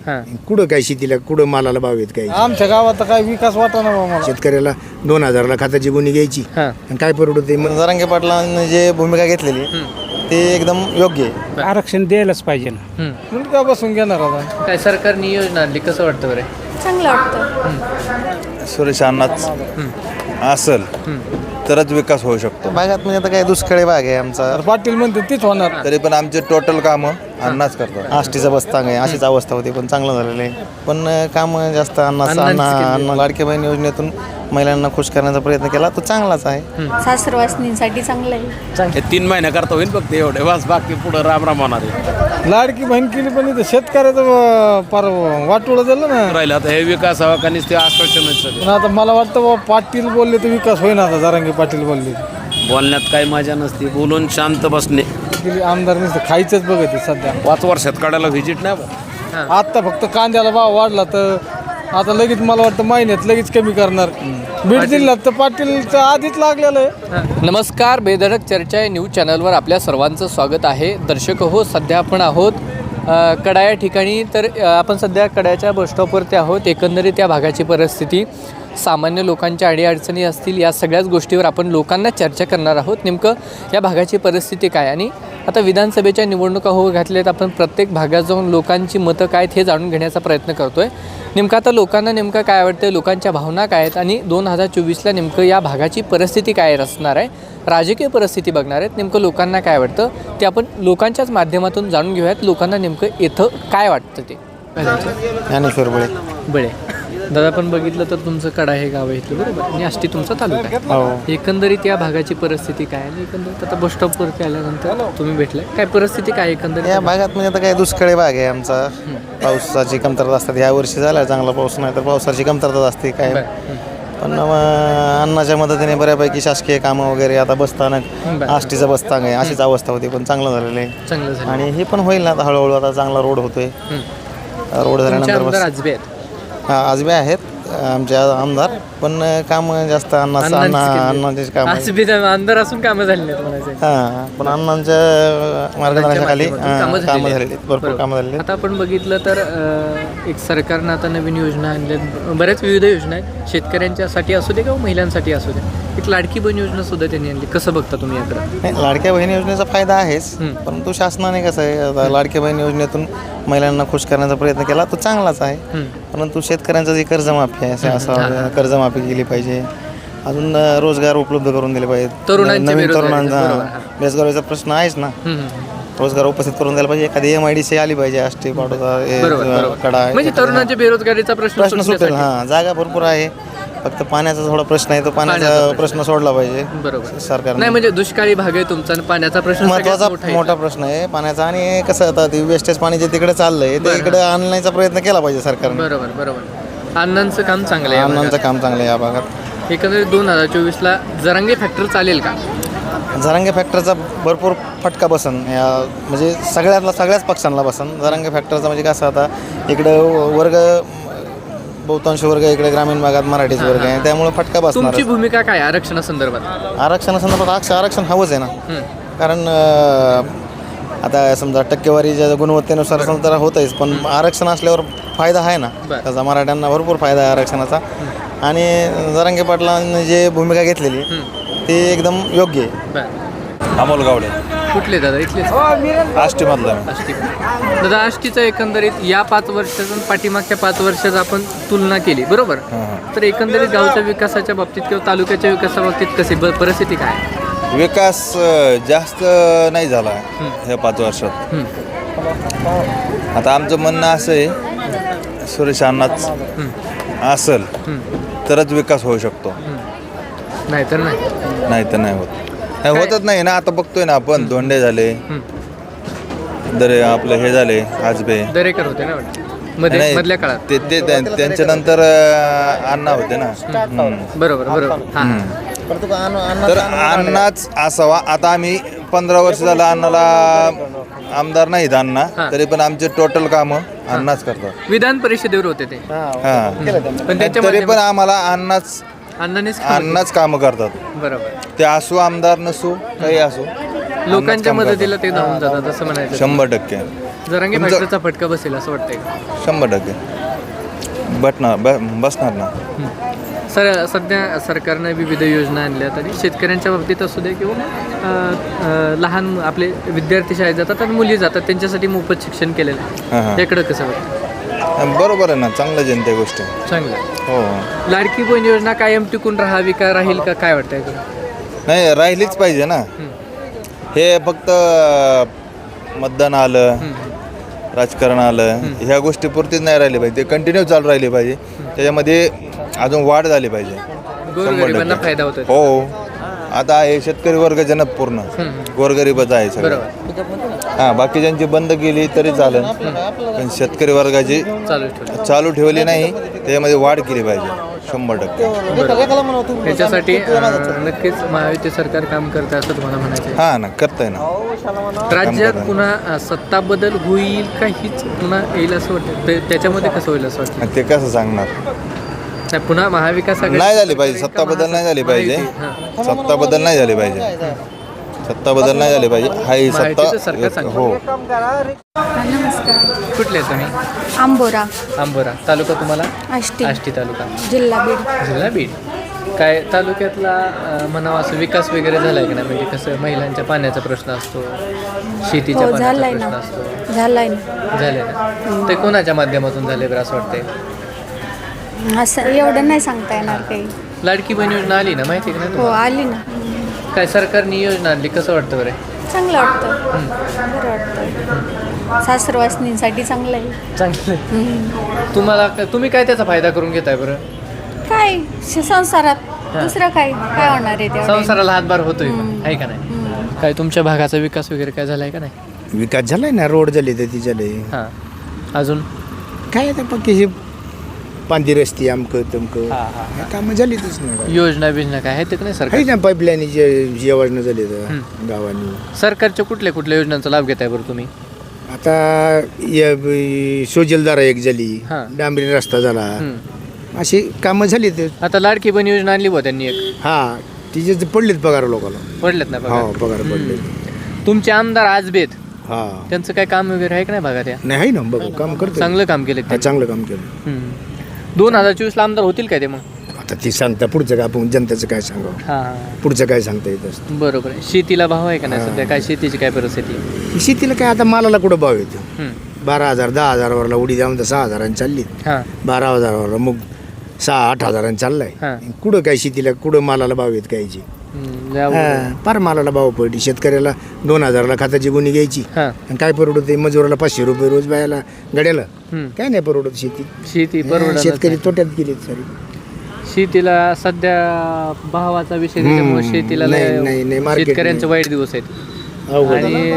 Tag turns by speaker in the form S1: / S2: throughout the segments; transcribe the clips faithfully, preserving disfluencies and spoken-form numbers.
S1: कुठं काय शेतीला कुठं मालाला भाव आहेत काय
S2: आमच्या गावात काय विकास वाटा ना मला
S1: शेतकऱ्याला दोन हजाराला खताची गुणी घ्यायची आणि काय परवडत मग
S3: जरांगे पाटलांनी जे भूमिका घेतलेली ते एकदम योग्य आहे.
S2: आरक्षण द्यायलाच पाहिजे ना मुलगा बसून घेणार आता
S4: काय सरकारने योजना आणली कसं वाटतं बरं?
S5: चांगलं वाटतं.
S6: सुरेश अण्णाच असल तरच विकास होऊ शकतो.
S3: भागात म्हणजे आता काय दुष्काळी भाग आहे आमचा,
S2: पाटील म्हणते तीच होणार.
S6: तरी पण आमचे टोटल कामं अण्णाच करतात.
S3: आष्टीचा बस्तांग आहे, अशीच अवस्था होती पण चांगलं झालेलं आहे. पण काम जास्त अण्णा अण्णा अण्णा लाडके बहीण योजनेतून महिलांना खुश करण्याचा प्रयत्न केला तो चांगलाच आहे.
S5: सासरवासनींसाठी चांगलं आहे.
S7: हे तीन महिने करता होईल फक्त एवढे बस, बाकी पुढं राम राम होणार आहे.
S2: लाडकी बहीण केली पण इथं शेतकऱ्याचं फार वाटोळं झालं ना.
S7: राहिलं आता हे विकास हवा का ते आश्वासन
S2: पण आता मला वाटतं बाबा पाटील बोलले तर विकास होईना. आता जरांगे पाटील बोलले
S7: बोलण्यात काही मजा नसते, बोलून शांत बसणे.
S2: गेली आमदार नुसतं खायचंच बघत आहे सध्या.
S7: पाच वर्षात काढायला व्हिजिट नाही बा.
S2: आता फक्त कांद्याला भाव वाढला तर आता लगेच मला वाटतं महिन्यात लगेच कमी करणार. बीड जिल्ह्यात तर पाटीलचं आधीच लागलेलं आहे.
S4: नमस्कार, बेधडक चर्चा या न्यूज चॅनलवर आपल्या सर्वांचं स्वागत आहे. दर्शक हो, सध्या आपण आहोत अ, कडा या ठिकाणी. तर अ, आपण सध्या कड्याच्या बसस्टॉपवरती आहोत. एकंदरीत त्या भागाची परिस्थिती, सामान्य लोकांच्या अडीअडचणी असतील, या सगळ्याच गोष्टीवर आपण लोकांना चर्चा करणार आहोत. नेमकं या भागाची परिस्थिती काय, आणि आता विधानसभेच्या निवडणुका होऊ घातल्यात. आपण प्रत्येक भागात जाऊन लोकांची मतं काय आहेत हे जाणून घेण्याचा प्रयत्न करतो आहे. नेमकं आता लोकांना नेमकं काय आवडतं, लोकांच्या भावना काय आहेत, आणि दोन हजार चोवीसला नेमकं या भागाची परिस्थिती काय असणार आहे, राजकीय परिस्थिती बघणार आहेत. नेमकं लोकांना काय वाटतं ते आपण लोकांच्याच माध्यमातून जाणून घेऊयात. लोकांना नेमकं इथं काय वाटतं ते.
S3: ज्ञानेश्वर बळे.
S4: बळे दादा, पण बघितलं तर तुमचं कडा हे गाव आहे इथलं, बरोबर, आणि आष्टी तुमचा तालुका आहे. एकंदरीत या भागाची परिस्थिती काय आहे, एकंदरीत आता बस स्टॉपवरती आल्यानंतर तुम्ही भेटलाय, काय परिस्थिती काय एकंदरीत
S3: या भागात म्हणजे आता काय दुष्काळी भाग आहे आमचा. पावसाची कमतरता असतात. या वर्षी झाला चांगला पाऊस नाही तर पावसाची कमतरता असते काय. पण अण्णाच्या मदतीने बऱ्यापैकी शासकीय कामं वगैरे आता बसताना आष्टीचा बस्तांग आहे, अशीच अवस्था होती पण चांगलं झालेलं आहे.
S4: चांगलं झालं.
S3: आणि हे पण होईल ना आता हळूहळू. आता चांगला रोड होतोय. रोड झाल्यानंतर बस
S4: राजबे आहेत.
S3: हा आजबे आहेत आमचे आमदार, पण काम जास्त अण्णा अण्णा अण्णाचेच काम आहे.
S4: आजबे आमदार असून कामं झाली नाहीत म्हणायचं.
S3: हा पण अण्णांच्या मार्गदर्शनाखाली कामं झालेली आहेत, भरपूर कामं झालेली आहेत.
S4: आता आपण बघितलं तर अ, एक सरकारनं आता नवीन योजना आणल्या, बऱ्याच विविध योजना आहेत. शेतकऱ्यांच्यासाठी असू दे किंवा महिलांसाठी असू दे. एक लाडकी बहीण योजना सुद्धा त्यांनी आणली. कसं बघता तुम्ही याकडे?
S3: नाही, लाडक्या बहीण योजनेचा फायदा आहेच, परंतु शासनाने कसं आहे आता लाडक्या बहीण योजनेतून महिलांना खुश करण्याचा प्रयत्न केला तो चांगलाच आहे. परंतु शेतकऱ्यांचं जे कर्जमाफी आहे असं असं कर्जमाफी केली पाहिजे. अजून रोजगार उपलब्ध करून दिले पाहिजे. नवीन तरुणांचा बेरोजगारीचा प्रश्न आहेच ना. रोजगार उपस्थित करून द्यायला पाहिजे. एखादी एम आय डी सी आली पाहिजे. आष्टी पाडोदा कडा
S4: म्हणजे तरुणांच्या बेरोजगारीचा प्रश्न
S3: प्रश्न सुटेल. हां, जागा भरपूर आहे, फक्त पाण्याचा थोडा प्रश्न आहे. तो पाण्याचा प्रश्न सोडला पाहिजे
S4: बरोबर
S3: सरकार.
S4: नाही म्हणजे दुष्काळी भाग आहे तुमचा, पाण्याचा प्रश्न
S3: महत्वाचा मोठा प्रश्न आहे पाण्याचा. आणि कसं आता ते वेस्टेज पाणी जे तिकडे चाललंय ते इकडे आणण्याचा प्रयत्न केला पाहिजे सरकारने.
S4: बरोबर बरोबर. अण्णांचं काम चांगलं आहे.
S3: अण्णांचं काम चांगलं आहे या भागात.
S4: एकंदरीत दोन हजार चोवीसला जरांगे फॅक्टर चालेल का?
S3: जरांगे फॅक्टरचा भरपूर फटका बसन या म्हणजे सगळ्यातला सगळ्याच पक्षांना बसन. जरांगे फॅक्टरचा म्हणजे कसं आता इकडं वर्ग बहुतांश वर्ग इकडे ग्रामीण भागात मराठीच वर्ग आहे, त्यामुळे फटका बसणार.
S4: तुमची भूमिका काय आरक्षणासंदर्भात?
S3: आरक्षणासंदर्भात आरक्षण आरक्षण हवंच आहे ना. कारण आता समजा टक्केवारीच्या गुणवत्तेनुसार तर होतच, पण आरक्षण असल्यावर फायदा आहे ना त्याचा. मराठ्यांना भरपूर फायदा आहे आरक्षणाचा. आणि जरांगे पाटलांनी जे भूमिका घेतलेली ते एकदम योग्य आहे.
S6: अमोल गावडे.
S4: कुठले दादा? इथले
S6: आष्टीमधला.
S4: आष्टी. दादा, आष्टीचं एकंदरीत या पाच वर्षातून पाठीमागच्या पाच वर्षात आपण तुलना केली, बरोबर, तर एकंदरीत गावच्या विकासाच्या बाबतीत किंवा तालुक्याच्या विकासाबाबतीत कशी परिस्थिती काय?
S6: विकास जास्त नाही झाला ह्या पाच वर्षात. आता आमचं म्हणणं असं आहे सुरेश अण्णाच असल तरच विकास होऊ शकतो,
S4: नाहीतर नाही.
S6: नाही तर नाही होत. नाही होतच नाही ना. आता बघतोय ना आपण, धोंडे झाले, दरे आपलं हे झाले आजबे
S4: दरेकर होते ना मध्ये मधल्या काळात.
S6: ते ते त्यांच्या नंतर अण्णा होते ना.
S4: बरोबर बरोबर.
S6: तर अण्णाच असावा. आता आम्ही पंधरा वर्ष झालं अण्णाला आमदार नाहीत अण्णा, तरी पण आमचे टोटल कामं अण्णाच करतात.
S4: विधान परिषदेवर होते ते.
S6: हा, तरी पण आम्हाला अण्णाच
S4: अण्णानेच
S6: अण्णाच कामं करतात.
S4: बरोबर.
S6: ते असो आमदार नसो काही असो,
S4: लोकांच्या मदतीला ते धावून जातात असं म्हणायचं.
S6: शंभर टक्के.
S4: जरांगे
S6: तुमचं-
S4: फॅक्टरचा फटका बसेल असं वाटतंय का?
S6: शंभर टक्के बटणार ब बसणार ना.
S4: सर सध्या सरकारनं विविध योजना आणल्या तरी शेतकऱ्यांच्या बाबतीत असू दे किंवा अ, अ, लहान आपले विद्यार्थी शाळेत जातात आणि मुली जातात त्यांच्यासाठी मोफत शिक्षण केलेलं
S6: हां हां
S4: आहे याकडं कसं वाटतं?
S6: बरोबर आहे ना, चांगलं जनते गोष्ट आहे.
S4: चांगलं.
S6: हो
S4: लाडकी बहीण योजना कायम टिकून राहावी का राहील का काय वाटतं याकडं?
S6: नाही राहिलीच पाहिजे ना. हे फक्त मतदान आलं राजकारण आलं ह्या गोष्टी पुरतीच नाही राहिली पाहिजे, ते कंटिन्यू चालू राहिली पाहिजे. त्याच्यामध्ये अजून वाढ झाली पाहिजे.
S4: गोरगरिबांना फायदा होतो.
S6: हो आता हे शेतकरी वर्ग जनक पूर्ण गोरगरीबच आहे सगळं.
S4: बरोबर.
S6: हां बाकीच्यांची बंद केली तरी चालेल पण शेतकरी वर्गाची
S4: चालू ठेवलं.
S6: चालू ठेवली नाही, त्याच्यामध्ये वाढ केली पाहिजे शंभर टक्के.
S4: त्याच्यासाठी अ, नक्कीच महायुती सरकार काम करतं असं तुम्हाला म्हणायचं आहे.
S6: हां ना करतंय ना.
S4: राज्यात पुन्हा अ, सत्ता बदल होईल का हीच पुन्हा येईल असं वाटतं? ते- त्याच्यामध्ये कसं होईल असं वाटतं?
S6: आणि ते कसं सांगणार?
S4: नाही, पुन्हा महाविकास आघाडी
S6: नाही झाली पाहिजे, सत्ता बदल नाही झाली पाहिजे.
S4: हां.
S6: सत्ता बदल नाही झाली पाहिजे. सत्ता बदल नाही झाली पाहिजे. हा ही
S4: महायुतीचं सरकार
S6: सत्ता
S4: चांगलं.
S6: हो.
S5: नमस्कार.
S4: कुठले आहेत तुम्ही?
S5: आंबोरा,
S4: आंबोरा तालुका तुम्हाला?
S5: आष्टी,
S4: आष्टी तालुका,
S5: जिल्हा बीड.
S4: जिल्हा बीड. काय तालुक्यातला अ, म्हणावा असं विकास वगैरे झालाय का नाही? म्हणजे कसं महिलांच्या पाण्याचा प्रश्न असतो, शेतीच्या
S5: हो
S4: पाण्याचा
S5: झालाय
S4: प्रश्न
S5: ना,
S4: असतो.
S5: झालाय ना.
S4: झाले ना? ते कोणाच्या माध्यमातून झाले बरं असं वाटतंय?
S5: असं एवढं नाही सांगता येणार काही.
S4: लाडकी बहीण योजना आली ना, माहिती आहे का नाही
S5: हो
S4: तुम्हाला?
S5: आली ना.
S4: काय सरकारने योजना आणली, कसं वाटतं बरं?
S5: चांगलं वाटतं, बरं वाटतं. सासरवासनींसाठी चांगलं आहे.
S4: चांगलं.
S5: हम्म.
S4: तुम्हाला तुम्ही काय त्याचा फायदा करून घेताय बरं?
S5: काय श- संसारात दुसरं काय काय होणार आहे तेवढं?
S4: संसाराला हातभार होतोय पण, आहे का नाही? काय तुमच्या भागाचा विकास वगैरे काय झालाय का नाही?
S1: विकास झालाय ना, रोड झाले तर ती झाले.
S4: हां. अजून
S1: काय आता पक्की हे पांदी रस्ती आमकं तमकं
S4: हां हां
S1: कामं झालीच नाही.
S4: योजना बिजना काय आहेत का नाही सरकार?
S1: काही ना पाईपलाईन जे जेवण झाले तर गावांनी.
S4: सरकारच्या कुठल्या कुठल्या योजनांचा लाभ घेताय बरं तुम्ही?
S1: आता या ब- सोजलदारा एक झाली,
S4: हां.
S1: डांबरी रस्ता झाला,
S4: हं.
S1: अशी कामं झाली ते.
S4: आता लाडकी बहीण योजना आणली बा त्यांनी एक,
S1: हा तिचे जे पडलेत पगार लोकांना.
S4: पडलेत ना
S1: हो
S4: बघा.
S1: पगार पडले.
S4: तुमचे आमदार आजबेत
S1: हा
S4: त्यांचं काय काम वगैरे आहे का नाही भागात? या
S1: नाही आहे ना, बघू काम करतो.
S4: चांगलं काम केलं
S1: हा, चांगलं काम केलं.
S4: दोन हजार चोवीस ला आमदार होतील काय ते मग?
S1: आता ती सांगता पुढचं काय, आपण जनतेचं काय सांगावं,
S4: हां
S1: पुढचं काय सांगता येत असतं.
S4: बरोबर आहे. शेतीला भाव आहे का नाही सध्या? काय शेतीची काय परिस्थिती आहे?
S1: शेतीला काय आता मालाला कुठं भाव येतो?
S4: हं.
S1: बारा हजार दहा हजारावरला उडी द्यावून तर सहा हजारांनी चालली.
S4: हां
S1: बारा हजारावरला मग सहा आठ हजारांनी चाललाय.
S4: हां.
S1: कुठं काय शेतीला कुठं मालाला भाव येत कायची?
S4: हं, जाऊ.
S1: फार मालाला भाव पडली. शेतकऱ्याला दोन हजाराला खाताची गुणी घ्यायची
S4: हां.
S1: आणि काय परवडत मजुराला पाचशे रुपये रोज बायाला गड्याला.
S4: हं.
S1: काय नाही परवडत शेती.
S4: शेती
S1: हा,
S4: परवडत
S1: शेतकरी
S4: नाही.
S1: तोट्यात गेलेत सारी.
S4: शेतीला सध्या भावाचा विषय त्याच्यामुळे
S1: हम्म,
S4: शेतीला
S1: नाही,
S4: लय-
S1: नाही, नाही, market
S4: शेतकऱ्यांचे
S1: नाही.
S4: वाईट दिवस आहेत.
S1: अवघड.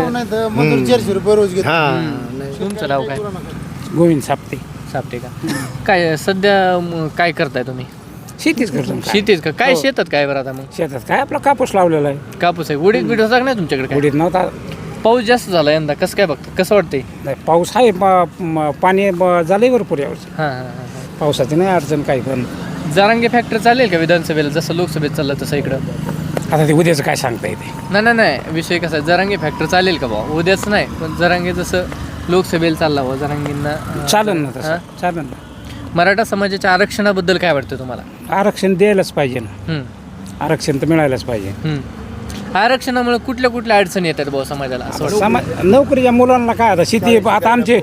S4: आणि
S1: चारशे रुपये रोज घेत. हा
S4: तुमचं नाव काय?
S8: गोविंद सापते.
S4: सापटे का? काय सध्या म, काय करताय तुम्ही?
S8: शेतीच करतो काय.
S4: शेतीच का? काय शेतात काय बरं आता मग?
S8: शेतात काय आपला कापूस लावलेला आहे.
S4: कापूस आहे. उडीद बीड होता का नाही तुमच्याकडे? काय
S8: उडीद नव्हता.
S4: पाऊस जास्त झाला यंदा, कसं काय बघतं, कसं वाटतंय?
S8: नाही, पाऊस आहे प- म- पाणी ब- झालंय भरपूर यावर्षी.
S4: हां हां हां
S8: पावसाची नाही अडचण काही पण.
S4: हां. जरांगे फॅक्टर चालेल का विधानसभेला, जसं लोकसभेत चाललं तसं इकडं?
S8: आता ते उद्याचं काय सांगता येते.
S4: नाही नाही नाही, विषय कसा आहे, जरांगे फॅक्टर चालेल का भाऊ? उद्याच नाही, पण जरांगे जसं लोकसभेला चालला भाऊ जरांगींना अं,
S8: चालेल ना
S4: हां?
S8: तसं चालेल ना.
S4: मराठा समाजाच्या आरक्षणाबद्दल काय वाटतं तुम्हाला?
S8: आरक्षण द्यायलाच पाहिजे ना.
S4: हं,
S8: आरक्षण तर मिळायलाच पाहिजे.
S4: हं. आरक्षणामुळे कुठल्या कुठल्या अडचणी येतात भाऊ समाजाला असं वाटतं?
S8: समाज नोकरीच्या मुलांना काय आता शेती आता आमचे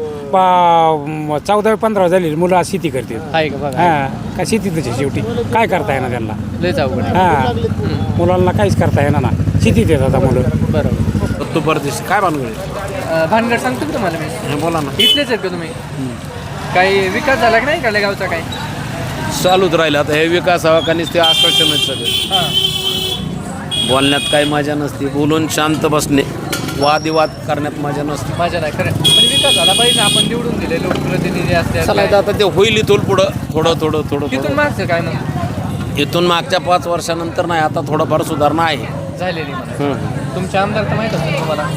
S8: चौदावी पंधरा झालेली मुलं आज शेती करतात.
S4: आहे का बघा,
S8: हा काय शेतीतच आहे शेवटी. काय करता येणार त्यांना?
S4: लयच अवघड आहे.
S8: हा मुलांना काहीच करता येणार ना. शेतीत येतात आता मुलं.
S4: बरोबर.
S7: तो परदेश काय बांधगड
S4: अं, भानगड सांगतो का तुम्हाला मी?
S7: बोला ना.
S4: इथलेच आहेत का तुम्ही? काही विकास झाला की नाही इकडल्या गावचा काय?
S7: चालूच राहिलं आता हे विकास हवा का नुसते आश्वासनच सगळे.
S4: हां
S7: बोलण्यात काही मजा नसते, बोलून शांत बसणे, वादिवाद करण्यात मजा नसते.
S4: माझ्या नाही खरं, पण विकास झाला पाहिजे. आपण निवडून दिले लोकप्रतिनिधी असते.
S7: चला आता ते होईल इथून पुढं थोडं थोडं थोडं
S4: तिथून
S7: थोडं.
S4: मागचं काय मग
S7: इथून मागच्या पाच वर्षानंतर नाही, आता थोडंफार सुधारणा आहे.
S4: झालेली मला.
S7: हम्म.
S4: तुमचे आमदार तर माहीत असतील तुम्हाला,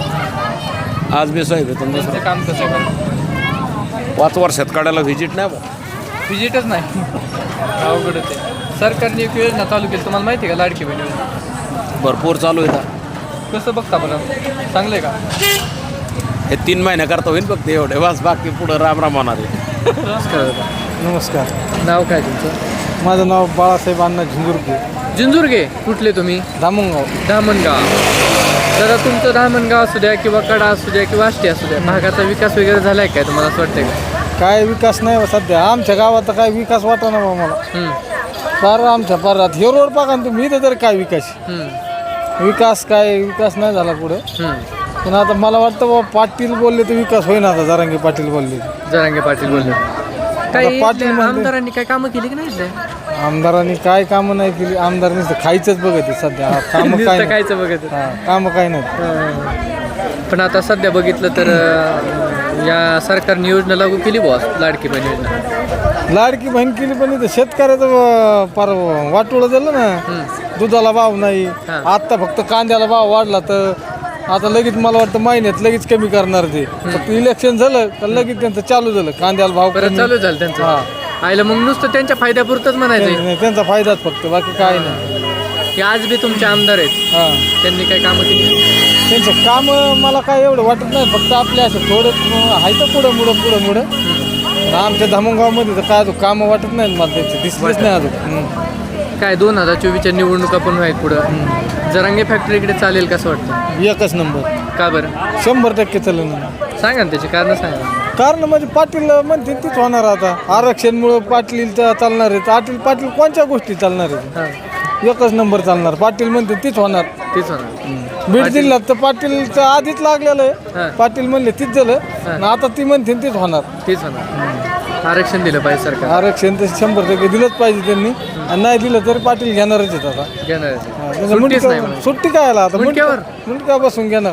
S7: आज बी साहेब आहे तुमचं
S4: त्यांचं काम कसं आहे?
S7: पाच वर्षात काढायला व्हिजिट नाही बा.
S4: विजिटच नाही. अवघडच आहे. सरकारने एक योजना चालू केली, तुम्हाला माहिती आहे का? लाडकी बहीण योजना.
S7: भरपूर चालू आहे.
S4: कसं बघता बरं, चांगलं आहे का?
S7: हे तीन महिन्याकरता होईल फक्त एवढे बस, बाकी पुढं राम राम होणार आहे.
S4: नमस्कार दादा.
S2: नमस्कार.
S4: नाव काय तुमचं?
S2: माझं नाव बाळासाहेब अण्णा झुंजुरके,
S4: जिंजूरगे. कुठले तुम्ही?
S2: धामणगाव.
S4: धामणगाव. दादा तुमचं धामणगाव असू द्या किंवा कडा असू द्या किंवा आष्टी असू द्या, भागाचा विकास वगैरे झाला आहे काय तुम्हाला असं वाटतंय का?
S2: काय विकास नाही बा सध्या आमच्या गावात, तर काय विकास वाटा ना बा मला.
S4: हम्म,
S2: फार आमच्या पारात हे रोड बघा ना तुम्ही, इथं तर काय विकास
S4: हम्म,
S2: विकास काय विकास नाही झाला पुढे.
S4: हम्म.
S2: पण आता मला वाटतं बा पाटील बोलले तर विकास होईना. आता जरांगे पाटील बोलले.
S4: जरांगे पाटील बोलले. काही
S2: पाटील
S4: इथल्या
S2: म्हणते-
S4: आमदारांनी काय कामं केली की नाही इथल्या?
S2: आमदारांनी काय कामं नाही केली. आमदारांनी तर खायचंच बघत आहे सध्या. कामं काय
S4: नुसतं
S2: नाही.
S4: खायचं बघत.
S2: हा, कामं काय नाही.
S4: हं. पण आता सध्या बघितलं तर अं, या सरकारने योजना लागू केली बॉस, लाडकी बहीण योजना.
S2: लाडकी बहीण केली, पण इथं शेतकऱ्याचं अं, फार वाटोळं झालं ना. दुधाला भाव नाही.
S4: हा.
S2: आत्ता फक्त कांद्याला भाव वाढला तर आता लगेच मला वाटतं महिन्यात लगेच कमी करणार ते. फक्त इलेक्शन झालं तर लगेच त्यांचं चालू झालं कांद्याला भाव
S4: परत
S2: कमी.
S4: चालू झालं त्यांचं.
S2: हा.
S4: आयला मग नुसतं त्यांच्या फायद्यापुरतंच म्हणायचं
S2: नाही, त्यांचा फायदाच फक्त, बाकी काय नाही.
S4: की आज बी तुमचे आमदार आहेत,
S2: हा,
S4: त्यांनी काय कामं केली?
S2: त्यांचं काम मला काय एवढं वाटत नाही. फक्त आपल्या असं थोडं आहे तर पुढं मुडं पुढं मुडं. पण आमच्या धामणगावमध्ये तर काय अजून कामं वाटत नाही मला, त्यांचे दिसलेच नाही अजून. हम्म.
S4: काय दोन हजार चोवीसच्या निवडणुका पण आहेत पुढं, जरांगे फॅक्टरी इकडे चालेल कसं वाटतं?
S2: एकच नंबर,
S4: का बरं?
S2: शंभर टक्के चालेल ना.
S4: सांगा ना त्याची कारण सांगा.
S2: कारण म्हणजे पाटील म्हणते तीच होणार. आता आरक्षणमुळं पाटील च- चालणार आहेत. पाटील पाटील कोणत्या गोष्टी चालणार आहेत?
S4: हां,
S2: एकच नंबर चालणार. पाटील म्हणते तीच होणार.
S4: तेच होणार.
S2: बीड जिल्ह्यात तर पाटीलचं आधीच लागलेलं
S4: हां.
S2: आहे. पाटील म्हणले तीच झालं. आणि आता ती म्हणते तीच होणार.
S4: तेच होणार. आरक्षण दिलं पाहिजे सरकार.
S2: आरक्षण तर शंभर टक्के दिलंच पाहिजे त्यांनी. आणि नाही दिलं तरी पाटील घेणारच आहेत आता.
S4: घेणार.
S2: हा, त्याचं
S4: सुट्टीच
S2: मुंडकं-
S4: नाही म्हणून.
S2: सुट्टी काय आला आता
S4: मुंडक्यावर?
S2: मुंडक्या बसून घेणार.